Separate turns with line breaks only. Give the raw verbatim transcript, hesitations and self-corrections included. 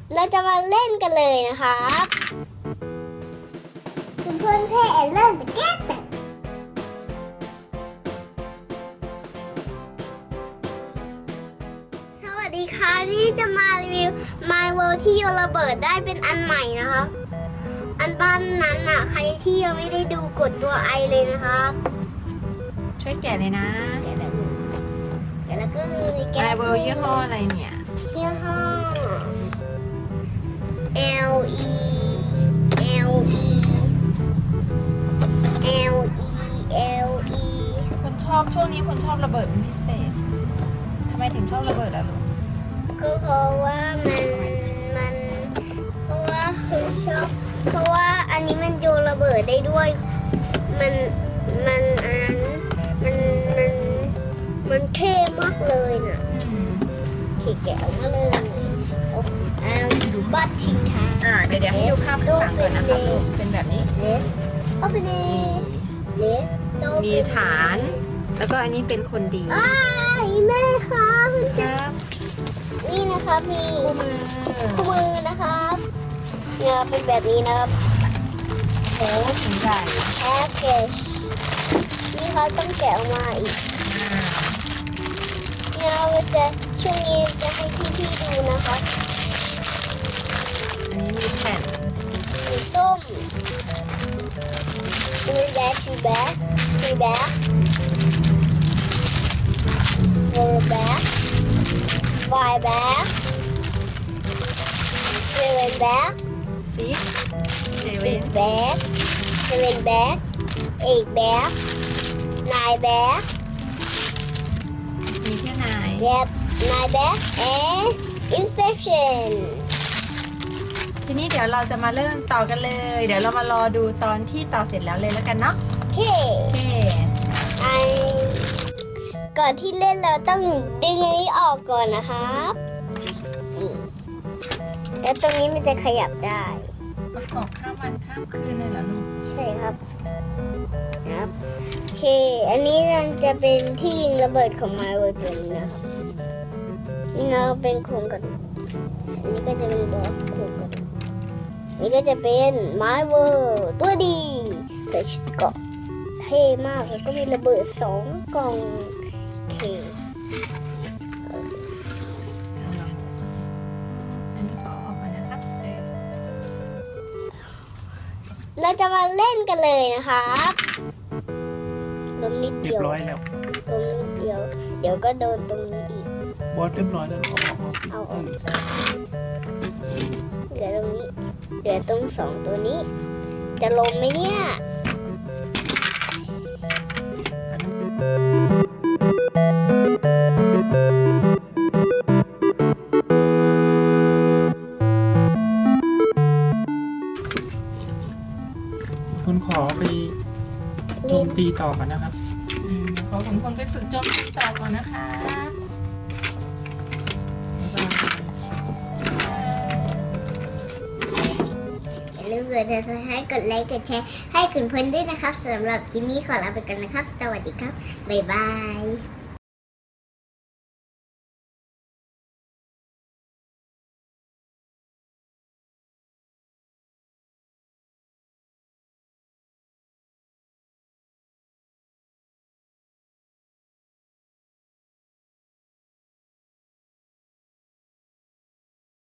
เราจะมาเล่นกันเลยนะครับคุณเพื่อนเพ่เริ่มแต่แก้แต่สวัสดีค่ะที่จะมารีวิว My World ที่โยนระเบิดได้เป็นอันใหม่นะครับอันบ้านนั้นอ่ะใครที่ยังไม่ได้ดูกดตัวไอเลยนะครับ
ช่วยแกะเลยนะ
แกะแบบนี้แกะแล้วก็แกะ
My World ยี่ห้ออะไรเนี่ย
ยี่ห้อ L E L E L E L E
คนชอบช่วงนี้คนชอบระเบิดเป็นพิเศษทำไมถึงชอบระเบิดอ่ะลูก
ก็เพราะว่ามันมันเพราะว่าคือชอบเพราะว่าอันนี้มันโยนระเบิดได้ด้วยมันมันอันมันมันมันเท่มากเลยน่ะขี่แกะออกมาเลยอ้าวดูบัตรทิ้งท้าย
อ่าเดี๋ยวเดี๋ยวให้ดูภาพข้างหลังก่อนนะคะลูกเป็นแบบนี้
Let's open it Let's open
มีฐานแล้วก็อันนี้เป็นคนดี
อ้ายแม่ครับ
ครับ
นี่นะครับมี
คู่มือ
คู่มือนะครับเนี่ยเป็นแบบนี้นะครับ
โอ้ถึงใหญ่
แพ็กเกจนี่เขาต้องแกะออกมาอีกเนี่ยเราจะช่วงนี้จะให้พี่ๆดูนะคะ
อันนี้มีแผ่น
สีส้มดูแบ็คชูแบ็คชูแบ็คโรแบ็คไวแบ็คเซเว่นแบ็ค
ซิกเซ
สิ
เว่น
บแบ็คเซเว่นแบ็คเอกแบ็คนายแบ็ค
มีแค่ไหน
Yep, my back and infection
ทีนี้เดี๋ยวเราจะมาเริ่มต่อกันเลย เดี๋ยวเรามารอดูตอนที่ต่อเสร็จแล้วเลยแล้วกันเนาะ
โอเค
โอเค
ไอก่อนที่เล่นเราต้องดึงอันนี้ออกก่อนนะครับแล้วตรงนี้มันจะขยับได้
ประกอบข้ามวันข้ามคืนเลยเหรอลูก
ใช่ครับครับโอเคอันนี้มันจะเป็นที่ยิงระเบิดของ My World ตัวนี้นะครับนี่เราเป็นโครงกระดูกอันนี้ก็จะเป็นบล็อกโครงกระดูกนี่ก็จะเป็น My World ตัวดีใส่ชุดเกราะเท่มากแล้วก็มีระเบิดสองกล่องโอเค
อันนี้ขอออกมานะครับ
เราจะมาเล่นกันเลยนะครับลมนิด
เรี
เดี
ย
ยว
บร้อยแล้ว
ลมนิดเดียวเดี๋ยวก็โดนตรงนี้อีก
บอสเรียบร้อยแล้วเอาออกเอา
เอาออกเหลือตรงนี้เหลือตรงสองตัวนี้จะลมไหมเนี่ย
คุณขอไปโจมตีต่อกันนะครับ
ขอคุณคนไปฝึกโจมตีต่อก่อนนะคะ
อย่าลืมกดติดตามให้กดไลค์กดแชร์ให้คุณเพื่อนด้วยนะครับสำหรับคลิปนี้ขอลาไปกันนะครับสวัสดีครับบ๊ายบาย